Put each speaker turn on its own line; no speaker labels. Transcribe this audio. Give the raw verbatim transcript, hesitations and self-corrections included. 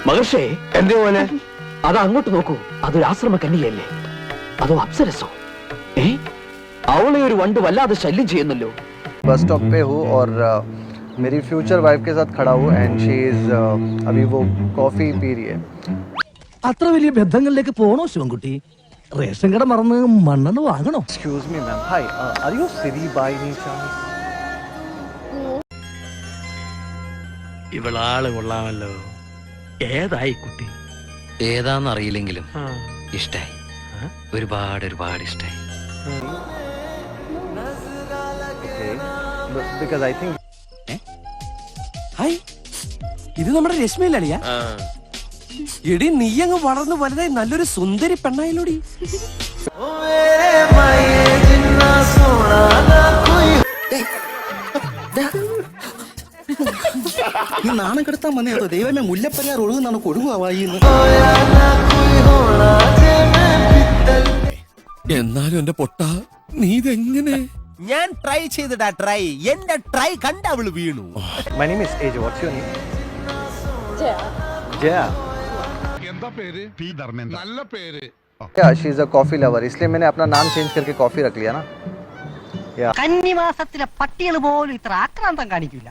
മഹർഷേ,
എന്തേ മോനെ?
അത് അങ്ങോട്ട് നോക്കൂ. അതൊരു ആശ്രമ കന്യകയല്ലേ? അതോ അപ്സരസോ? ഏ, അവളെ ഒരു വണ്ട് വല്ലാതെ ശല്യം ചെയ്യുന്നല്ലോ.
बस स्टॉप पे हूँ और uh, मेरी फ्यूचर वाइफ के साथ खड़ा हूँ एंड शी इज अभी वो कॉफी पी रही है.
അത്ര വലിയ ബന്ധങ്ങളിലേക്ക് പോണോ ശിവൻകുട്ടി? റേഷൻ കട മറന്ന് മണ്ണെണ്ണ വാങ്ങണോ?
Excuse me ma'am. Hi, uh, are you Siri by any chance?
ഇവളാള് കൊള്ളാമല്ലോ. ഏതായി കുട്ടി?
ഏതാന്നറിയില്ലെങ്കിലും ഇഷ്ടായി, ഒരുപാട് ഒരുപാട് ഇഷ്ടായി.
Okay. But because I think
hi, ഇത് നമ്മുടെ രശ്മിയിലളിയ. എടി നീ അങ്ങ് വളർന്നു വലുതായി നല്ലൊരു സുന്ദരി പെണ്ണായില്ലോടി.
ഈ നാണം കെടുത്താൻ വന്നേതോ ദൈവമേ, മുല്ലപ്പരിയാർ ഒഴുകുന്നാണ് കൊടുങ്ങുവായി.
എന്നാലും എന്റെ പൊട്ട, നീ ഇതെങ്ങനെ?
ഞാൻ ട്രൈ ചെയ്തിടാ ട്രൈ. എന്റെ ട്രൈ കണ്ട അവള് വീണു.
my name is Aj. What's your name? Jaya. Jaya.
എന്താ പേര്? പി ധർമ്മേന്ദ്ര. നല്ല പേര്.
Yeah, she is a coffee lover. इसलिए मैंने अपना नाम चेंज करके कॉफी रख लिया ना. Yeah.
കന്നിമാസത്തിലെ പട്ടികൾ പോലും ഇത്ര ആക്രാന്തം കാണിക്കില്ല.